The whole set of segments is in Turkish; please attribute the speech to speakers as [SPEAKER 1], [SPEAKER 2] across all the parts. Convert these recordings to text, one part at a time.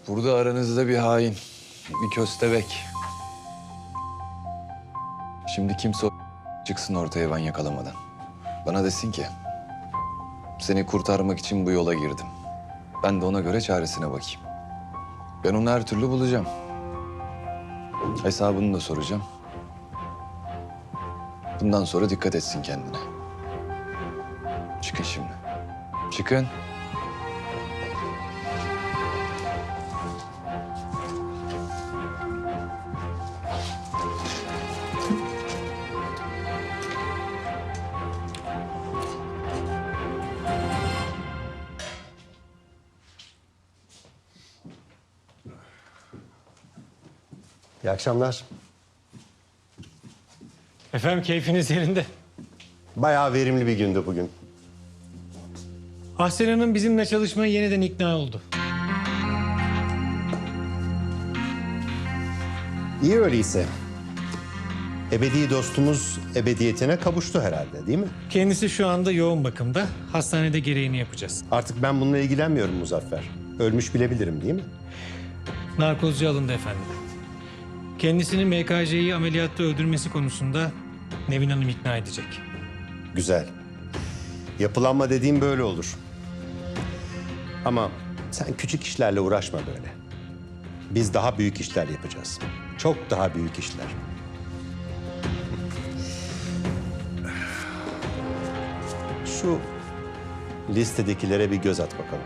[SPEAKER 1] Burada aranızda bir hain, bir köstebek. Şimdi kimse çıksın ortaya ben yakalamadan. Bana desin ki, seni kurtarmak için bu yola girdim. Ben de ona göre çaresine bakayım. Ben onu her türlü bulacağım. Hesabını da soracağım. Bundan sonra dikkat etsin kendine. Çıkın şimdi. Çıkın.
[SPEAKER 2] İyi akşamlar.
[SPEAKER 3] Efendim keyfiniz yerinde.
[SPEAKER 2] Bayağı verimli bir gündü bugün.
[SPEAKER 3] Ahsen Hanım bizimle çalışmaya yeniden ikna oldu.
[SPEAKER 2] İyi öyleyse. Ebedi dostumuz ebediyetine kavuştu herhalde, değil mi?
[SPEAKER 3] Kendisi şu anda yoğun bakımda. Hastanede gereğini yapacağız.
[SPEAKER 2] Artık ben bununla ilgilenmiyorum Muzaffer. Ölmüş bilebilirim, değil mi?
[SPEAKER 3] Narkozcu alındı efendim. Kendisini MKC'yi ameliyatta öldürmesi konusunda Nevin Hanım ikna edecek.
[SPEAKER 2] Güzel. Yapılanma dediğim böyle olur. Ama sen küçük işlerle uğraşma böyle. Biz daha büyük işler yapacağız. Çok daha büyük işler. Şu listedekilere bir göz at bakalım.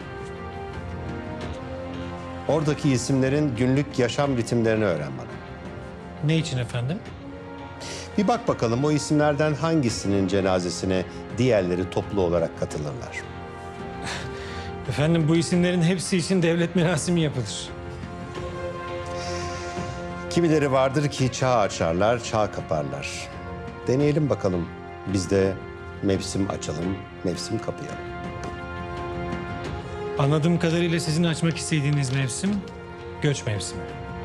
[SPEAKER 2] Oradaki isimlerin günlük yaşam ritimlerini öğren bana.
[SPEAKER 3] Ne için efendim?
[SPEAKER 2] Bir bak bakalım o isimlerden hangisinin cenazesine diğerleri toplu olarak katılırlar.
[SPEAKER 3] Efendim bu isimlerin hepsi için devlet merasimi yapılır.
[SPEAKER 2] Kimileri vardır ki çağ açarlar, çağ kaparlar. Deneyelim bakalım. Biz de mevsim açalım, mevsim kapayalım.
[SPEAKER 3] Anladığım kadarıyla sizin açmak istediğiniz mevsim göç mevsimi.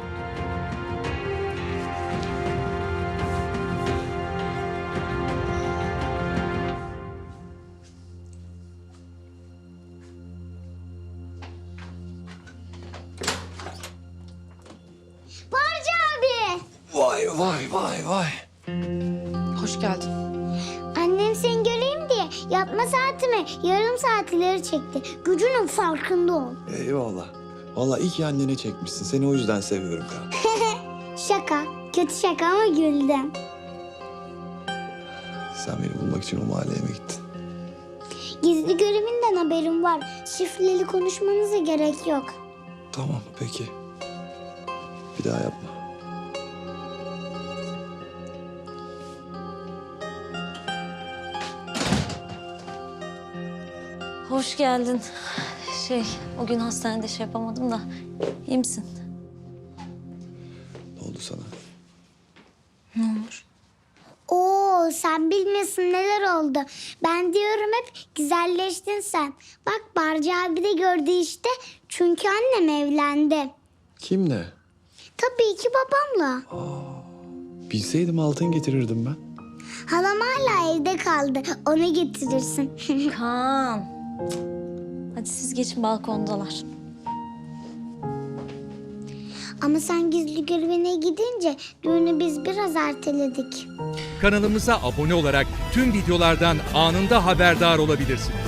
[SPEAKER 4] Barca abi.
[SPEAKER 1] Vay vay vay vay.
[SPEAKER 5] Hoş geldin.
[SPEAKER 4] Annem seni göreyim diye yatma saatimi yarım saat ileri çekti. Gücünün farkında ol.
[SPEAKER 1] Eyvallah. Vallahi iyi ki annene çekmişsin. Seni o yüzden seviyorum Kaan.
[SPEAKER 4] Şaka. Kötü şaka ama güldüm.
[SPEAKER 1] Sen beni bulmak için o mahalleye mi gittin?
[SPEAKER 4] Gizli görevinden haberim var. Şifreli konuşmanıza gerek yok.
[SPEAKER 1] Tamam peki. Bir daha yapma.
[SPEAKER 5] Hoş geldin. O gün hastanede yapamadım da. İyi misin?
[SPEAKER 1] Ne oldu sana?
[SPEAKER 5] Ne olur?
[SPEAKER 4] Oo, sen bilmiyorsun neler oldu. Ben diyorum hep güzelleştin sen. Bak Barca abi de gördü işte. Çünkü annem evlendi.
[SPEAKER 1] Kimle?
[SPEAKER 4] Tabii ki babamla.
[SPEAKER 1] Bilseydim altın getirirdim ben.
[SPEAKER 4] Halam hala evde kaldı. Ona getirirsin.
[SPEAKER 5] Kaan. Hadi siz geçin, balkondalar.
[SPEAKER 4] Ama sen gizli görevine gidince düğünü biz biraz erteledik.
[SPEAKER 6] Kanalımıza abone olarak tüm videolardan anında haberdar olabilirsiniz.